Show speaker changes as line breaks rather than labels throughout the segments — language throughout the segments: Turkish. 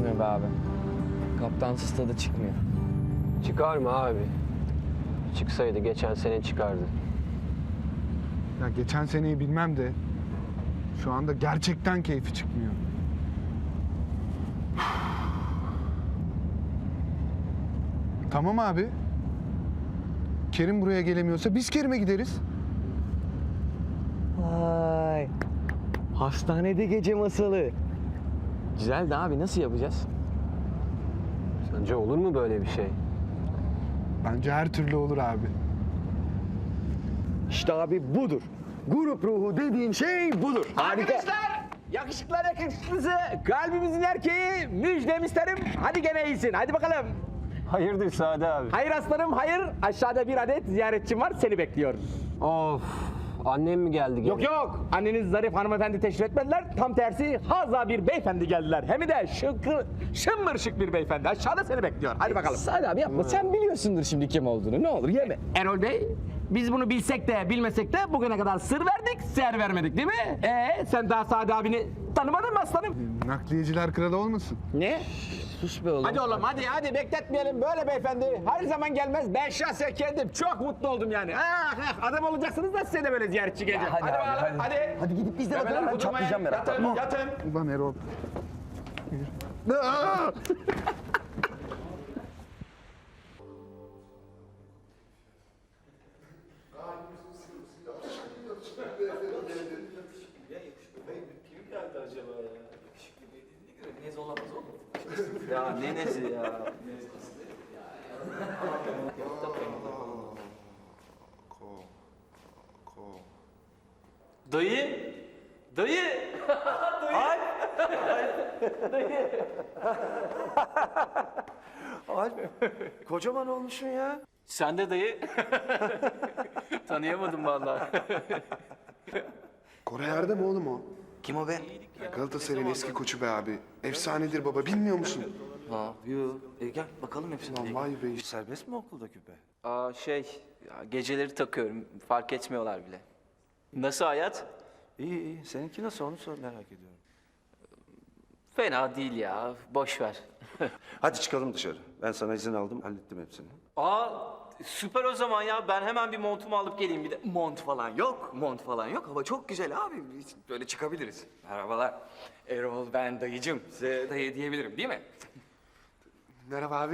olmuyor be abi. Kaptansız tadı çıkmıyor.
Çıkar mı abi? Çıksaydı geçen sene çıkardı.
Ya geçen seneyi bilmem de şu anda gerçekten keyfi çıkmıyor. Tamam abi. Kerim buraya gelemiyorsa biz Kerim'e gideriz.
Vay. Hastanede gece masalı. Güzel de abi nasıl yapacağız?
Sence olur mu böyle bir şey?
Bence her türlü olur abi.
İşte abi budur. Grup ruhu dediğin şey budur.
Arkadaşlar, yakışıklar yakışıklısı, kalbimizin erkeği, müjdemi isterim. Hadi gene iyisin, hadi bakalım.
Hayırdır Sade abi?
Hayır aslanım, hayır. Aşağıda bir adet ziyaretçim var, seni bekliyor.
Of, annem mi geldi gene?
Yok yok, anneniz zarif hanımefendi teşrif etmediler. Tam tersi, haza bir beyefendi geldiler. Hem de şımmır şık bir beyefendi. Aşağıda seni bekliyor. Hadi bakalım.
Sade abi yapma. Sen biliyorsundur şimdi kim olduğunu. Ne olur yeme.
Erol Bey, biz bunu bilsek de bilmesek de bugüne kadar sır verdik, ser vermedik değil mi? Sen daha Sade abini tanımadın mı aslanım?
Nakliyeciler kralı olmasın?
Ne?
Sus be oğlum.
Hadi oğlum hadi bekletmeyelim böyle beyefendi. Her zaman gelmez. Ben şahsen kendim çok mutlu oldum yani. Adam olacaksınız da size de böyle ziyaretçi gelecek.
hadi
Hadi
abi,
bakalım hadi.
Hadi gidip biz de bakalım, ben çatlayacağım merakla.
Yatın.
Ulan Erol.
Ya ne nesi ya? Dayı! Dayı! Ay! Dayı!
Alp, kocaman olmuşsun ya.
Sen de dayı. Tanıyamadım vallahi.
Koray Erdem oğlum o.
Kim o be?
Galatasaray'ın eski koçu be abi. Efsanedir baba, bilmiyor musun?
Ha, yo. Gel bakalım hepsine.
Lan vay be.
Serbest mi okulda küpe?
Aa ya, geceleri takıyorum. Fark etmiyorlar bile. Nasıl hayat?
İyi. Seninki nasıl onu merak ediyorum.
Fena değil ya. Boş ver.
Hadi çıkalım dışarı. Ben sana izin aldım, hallettim hepsini.
Aa süper o zaman ya. Ben hemen bir montumu alıp geleyim bir de.
Mont falan yok, mont falan yok. Hava çok güzel abi. Biz böyle çıkabiliriz. Merhabalar. Erol, ben dayıcım. Size dayı diyebilirim değil mi?
Merhaba abi.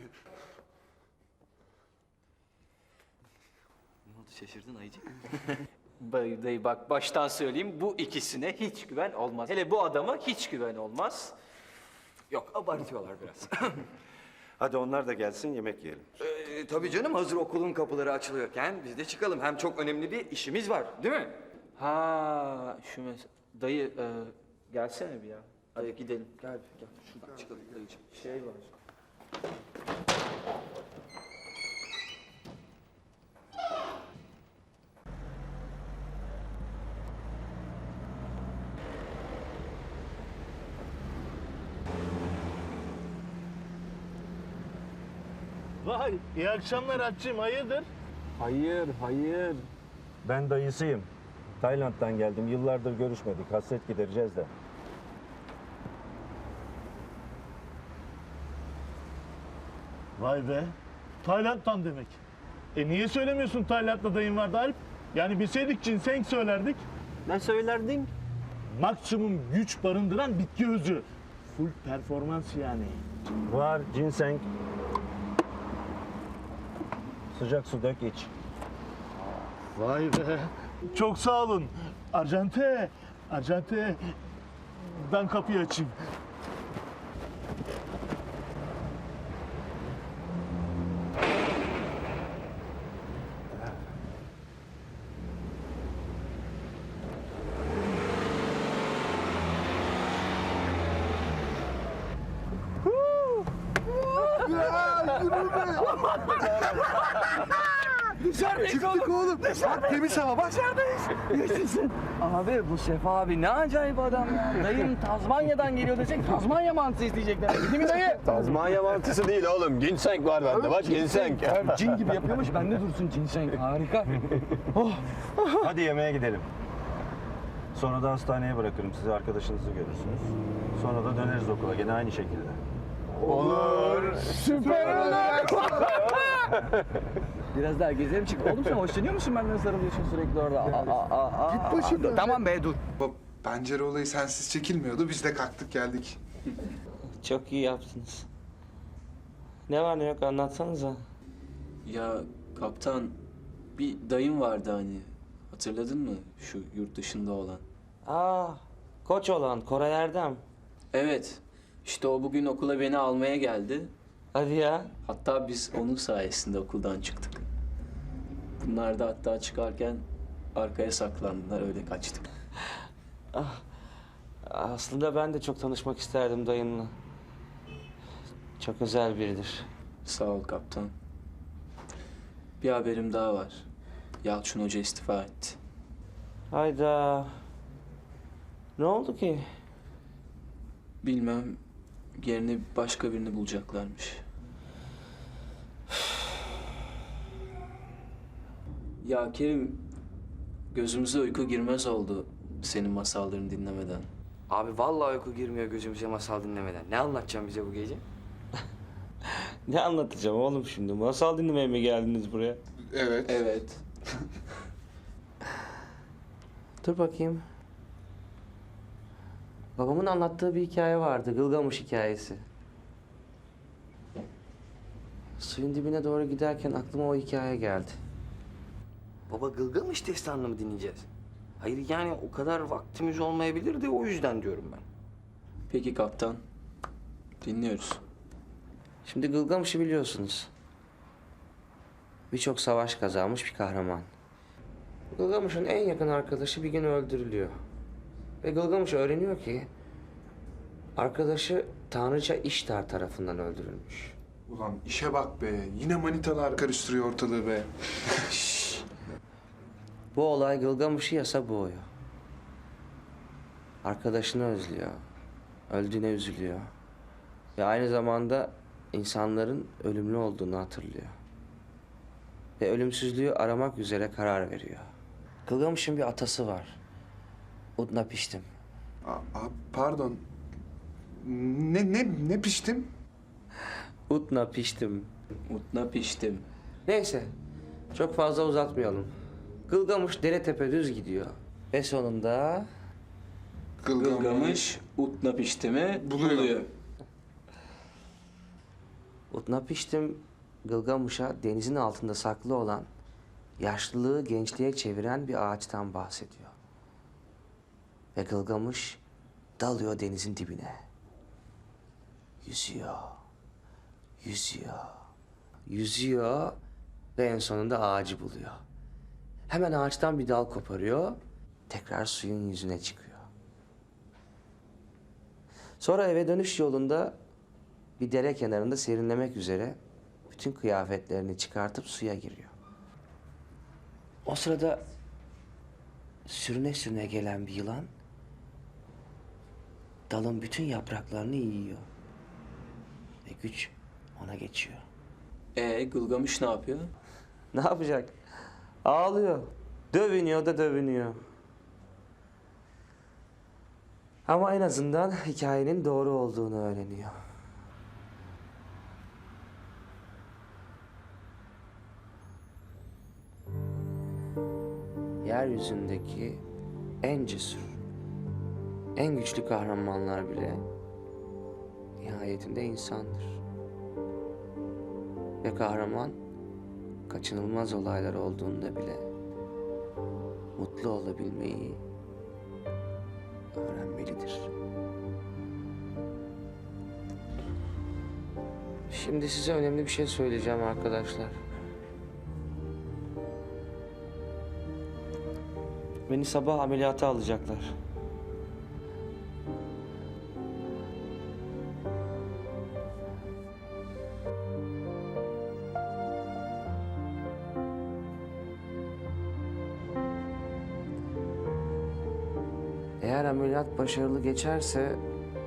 Ne oldu, şaşırdın ayıcık?
Dayı bak baştan söyleyeyim. Bu ikisine hiç güven olmaz. Hele bu adama hiç güven olmaz.
Yok, abartıyorlar biraz. Hadi onlar da gelsin, yemek yiyelim. Tabii canım, hazır okulun kapıları açılıyorken biz de çıkalım. Hem çok önemli bir işimiz var, değil mi?
Ha dayı gelsene bir ya. Hadi gidelim.
Gel, şuradan çıkalım dayıcığım.
Şey var.
Vay, iyi akşamlar Alpciğim, hayırdır?
Hayır.
Ben dayısıyım. Tayland'dan geldim. Yıllardır görüşmedik. Hasret gidereceğiz de.
Vay be, Tayland'dan demek. Niye söylemiyorsun Tayland'da dayın vardı Alp? Yani bilseydik ginseng söylerdik.
Ne söylerdin?
Maksimum güç barındıran bitki özü. Full performans yani.
Var ginseng. Sıcak su dök iç.
Vay be, çok sağ olun. Arjante, ben kapıyı açayım.
Çıktık oğlum. Bak temiz hava bak.
Abi bu Sefa abi ne acayip adam ya. Dayım Tazmanya'dan geliyor desek Tazmanya mantısı isteyecekler. Değil mi dayı?
Tazmanya mantısı değil oğlum. Ginseng var bende. Bak ginseng.
Cin gibi yapıyormuş. Bende dursun ginseng. Harika.
Hadi yemeğe gidelim. Sonra da hastaneye bırakırım sizi, arkadaşınızı görürsünüz. Sonra da döneriz okula gene aynı şekilde.
Süper olur.
Biraz daha gezelim çık. Oğlum sen hoşlanıyor musun benden sarılıyorsun sürekli orada?
Git başımdan.
Tamam be dur.
Baba, pencere olayı sensiz çekilmiyordu. Biz de kalktık geldik.
Çok iyi yaptınız. Ne var ne yok anlatsanıza.
Ya kaptan, bir dayım vardı hani. Hatırladın mı? Şu yurt dışında olan.
Aa, koç olan Koray Erdem.
Evet. İşte o bugün okula beni almaya geldi.
Hadi ya.
Hatta biz onun sayesinde okuldan çıktık. Bunlar da hatta çıkarken arkaya saklandılar, öyle kaçtık.
Aslında ben de çok tanışmak isterdim dayınla. Çok özel biridir.
Sağ ol kaptan. Bir haberim daha var. Yalçın Hoca istifa etti.
Hayda. Ne oldu ki?
Bilmem, yerine başka birini bulacaklarmış. Ya Kerim, gözümüze uyku girmez oldu senin masallarını dinlemeden.
Abi vallahi uyku girmiyor gözümüze masal dinlemeden. Ne anlatacaksın bize bu gece?
Ne anlatacağım oğlum şimdi? Masal dinlemeye mi geldiniz buraya?
Evet.
Evet.
Dur bakayım. Babamın anlattığı bir hikaye vardı. Gılgamış hikayesi. Suyun dibine doğru giderken aklıma o hikaye geldi.
Baba Gılgamış destanını mı dinleyeceğiz? Hayır yani o kadar vaktimiz olmayabilir de o yüzden diyorum ben.
Peki kaptan, dinliyoruz.
Şimdi Gılgamış'ı biliyorsunuz. Birçok savaş kazanmış bir kahraman. Gılgamış'ın en yakın arkadaşı bir gün öldürülüyor. Ve Gılgamış öğreniyor ki arkadaşı Tanrıça İştar tarafından öldürülmüş.
Ulan işe bak be. Yine manitalar karıştırıyor ortalığı be.
Bu olay Gılgamış'ı yasa boğuyor. Arkadaşını özlüyor. Öldüğüne üzülüyor. Ve aynı zamanda insanların ölümlü olduğunu hatırlıyor. Ve ölümsüzlüğü aramak üzere karar veriyor. Gılgamış'ın bir atası var. Utnapiştim.
Pardon. Ne piştim?
Utnapiştim.
Mutna piştim.
Neyse, çok fazla uzatmayalım. Gılgamış dere tepe düz gidiyor. Ve sonunda
Gılgamış Utna piştimi buluyor.
Utnapiştim Gılgamış'a denizin altında saklı olan, yaşlılığı gençliğe çeviren bir ağaçtan bahsediyor. Ve Gılgamış dalıyor denizin dibine. Yüzüyor, yüzüyor, yüzüyor ve en sonunda ağacı buluyor. Hemen ağaçtan bir dal koparıyor, tekrar suyun yüzüne çıkıyor. Sonra eve dönüş yolunda bir dere kenarında serinlemek üzere bütün kıyafetlerini çıkartıp suya giriyor. O sırada sürüne sürüne gelen bir yılan dalın bütün yapraklarını yiyor. Ve güç ona geçiyor.
Gılgamış ne yapıyor?
Ne yapacak? Ağlıyor. Dövünüyor da dövünüyor. Ama en azından hikayenin doğru olduğunu öğreniyor. Yeryüzündeki en cesur, en güçlü kahramanlar bile nihayetinde insandır. Ve kahraman kaçınılmaz olaylar olduğunda bile mutlu olabilmeyi öğrenmelidir. Şimdi size önemli bir şey söyleyeceğim arkadaşlar. Beni sabah ameliyata alacaklar. Eğer ameliyat başarılı geçerse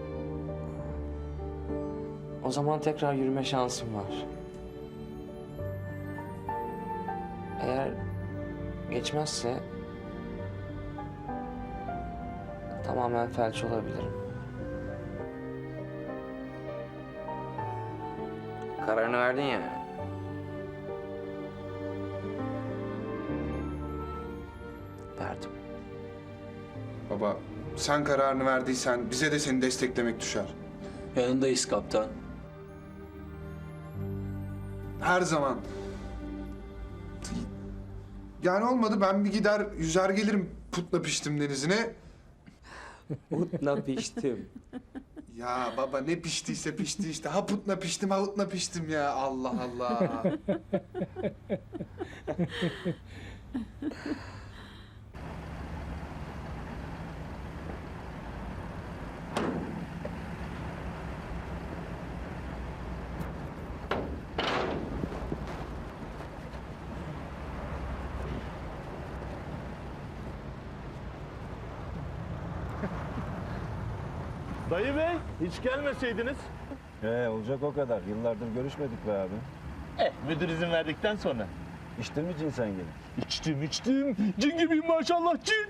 o zaman tekrar yürüme şansım var. Eğer geçmezse tamamen felç olabilirim.
Kararını verdin ya.
Verdim.
Baba sen kararını verdiysen bize de seni desteklemek düşer.
Yanındayız kaptan.
Her zaman. Yani olmadı ben bir gider yüzer gelirim Putla Piştim denizine.
Utla piştim.
Ya baba ne piştiyse pişti işte. Ha putla piştim ha utla piştim ya. Allah Allah.
Dayı bey hiç gelmeseydiniz.
Olacak o kadar. Yıllardır görüşmedik be abi.
Müdür izin verdikten sonra.
İçtin mi cin sen gene?
İçtim. Cin gibiyim maşallah cin.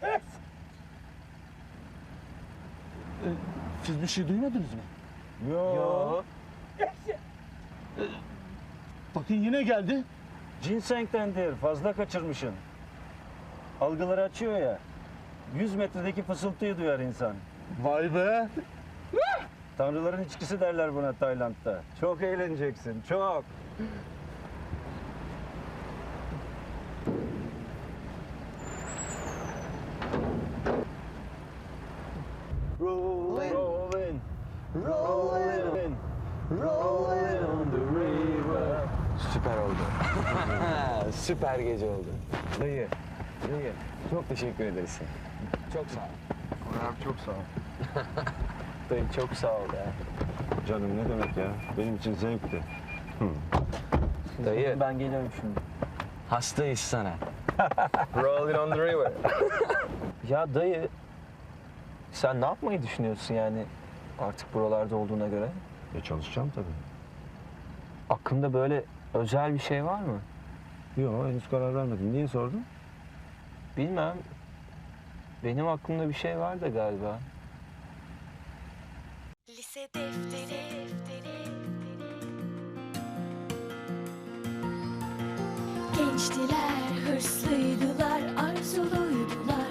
Siz bir şey duymadınız mı?
Yo.
Bakın yine geldi.
Ginseng'tendir. Fazla kaçırmışsın. Algıları açıyor ya. 100 metredeki fısıltıyı duyar insan.
Vay be.
Tanrıların içkisi derler buna Tayland'da. Çok eğleneceksin, çok. Rolling, rolling, rolling on the river.
Süper oldu. Süper gece oldu.
Dayı,
Çok teşekkür ederiz.
Çok sağ ol.
Abi çok sağ ol.
Dayı çok sağ ol ya.
canım ne demek ya? Benim için zevkti.
Dayı.
Ben geliyorum şimdi.
Hastayız sana. Rolling on the river. Ya dayı, sen ne yapmayı düşünüyorsun yani artık buralarda olduğuna göre?
Çalışacağım tabii.
Aklında böyle özel bir şey var mı?
Yok, henüz karar vermedim. Niye sordun?
Bilmem. Benim aklımda bir şey var da galiba.
Lise defteri. Gençtiler, hırslıydılar, arzuluydular.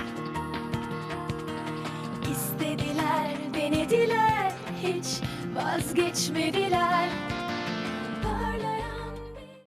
İstediler, denediler, hiç vazgeçmediler.